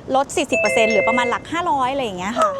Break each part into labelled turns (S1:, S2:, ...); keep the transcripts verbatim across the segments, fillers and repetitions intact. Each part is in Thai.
S1: ลด สี่สิบเปอร์เซ็นต์ หรือประมาณหลักห้าร้อยอะไรอย่างเงี้ยค่ะ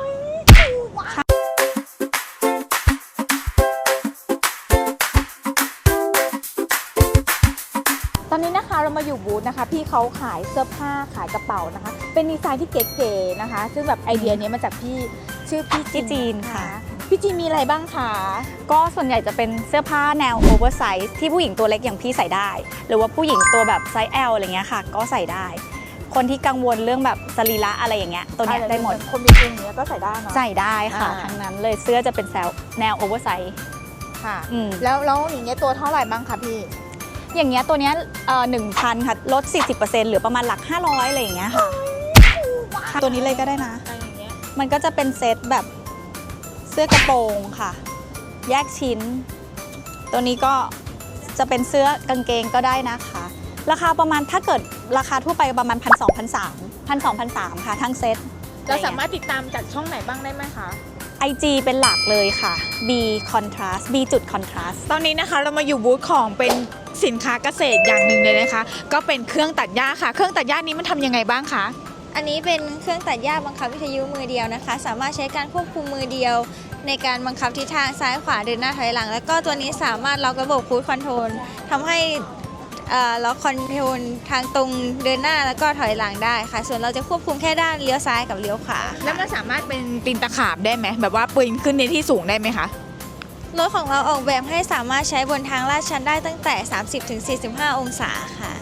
S2: ตอนนี้นะคะเรามาอยู่บูธนะคะพี่เขาขายเสื้อผ้าขายกระเป๋านะคะเป็นดีไซน์ที่เก๋ๆนะคะซึ่งแบบไอเดียนี้มาจากพี่ชื่อพี่
S1: พี่จีนค่ะ
S2: พี่จีนมีอะไรบ้างคะ
S1: ก็ส่วนใหญ่จะเป็นเสื้อผ้าแนวโอเวอร์ไซส์ที่ผู้หญิงตัวเล็กอย่างพี่ใส่ได้หรือว่าผู้หญิงตัวแบบไซส์ L อะไรเงี้ยค่ะก็ใส่ได้คนที่กังวลเรื่องแบบสรีระอะไรอย่างเงี้ยตัวเนี้ยได้หมด
S2: คนมีเองเนี้ยก็ใส่ได้เนาะ
S1: ใส่ได้ค่ะทั้งนั้นเลยเสื้อจะเป็นแนวโอเวอร์ไซส์
S2: ค่ะ
S1: อืม
S2: แล้วแล้วอย่างเงี้ยตัวเท่าไหร่บ้างคะพี่
S1: อย่างเงี้ยตัวเนี้ยเอ่อหนึ่งพันค่ะลด สี่สิบเปอร์เซ็นต์ หรือประมาณหลักห้าร้อยอะไรอย่างเงี้ยค่ะตัวนี้เลยก็ได้นะมันก็จะเป็นเซตแบบเสื้อกระโปรงค่ะแยกชิ้นตัวนี้ก็จะเป็นเสื้อกางเกงก็ได้นะคะราคาประมาณถ้าเกิดราคาทั่วไปประมาณพันสองพันสามพันสองพันสามค่ะทั้งเซต
S2: เราสามารถติดตามจากช่องไหนบ้างได้ไหมคะ
S1: ไอ จี เป็นหลักเลยค่ะ B contrast B จุด contrast
S2: ตอนนี้นะคะเรามาอยู่บูธของเป็นสินค้าเกษตรอย่างหนึ่งเลยนะคะก็เป็นเครื่องตัดหญ้าค่ะเครื่องตัดหญ้านี้มันทำยังไงบ้างคะ
S3: อันนี้เป็นเครื่องตัดหญ้าบังคับวิทยุมือเดียวนะคะ สามารถใช้การควบคุมมือเดียว ในการบังคับทิศทางซ้ายขวาเดินหน้าถอยหลัง แล้วก็ตัวนี้สามารถล็อกระบบครูซคอนโทรลทำให้ล็อกคอนโทรลทางตรงเดินหน้าแล้วก็ถอยหลังได้ค่ะ ส่วนเราจะควบคุมแค่ด้านเลี้ยวซ้ายกับเลี้ยวขวา
S2: แล้วมันสามารถเป็นปีนตะขาบได้ไหมแบบว่าปีนขึ้นในที่สูงได้ไหมคะ
S3: รถของเราออกแบบให้สามารถใช้บนทางลาดชันได้ตั้งแต่ สามสิบถึงสี่สิบห้า องศาค่ะ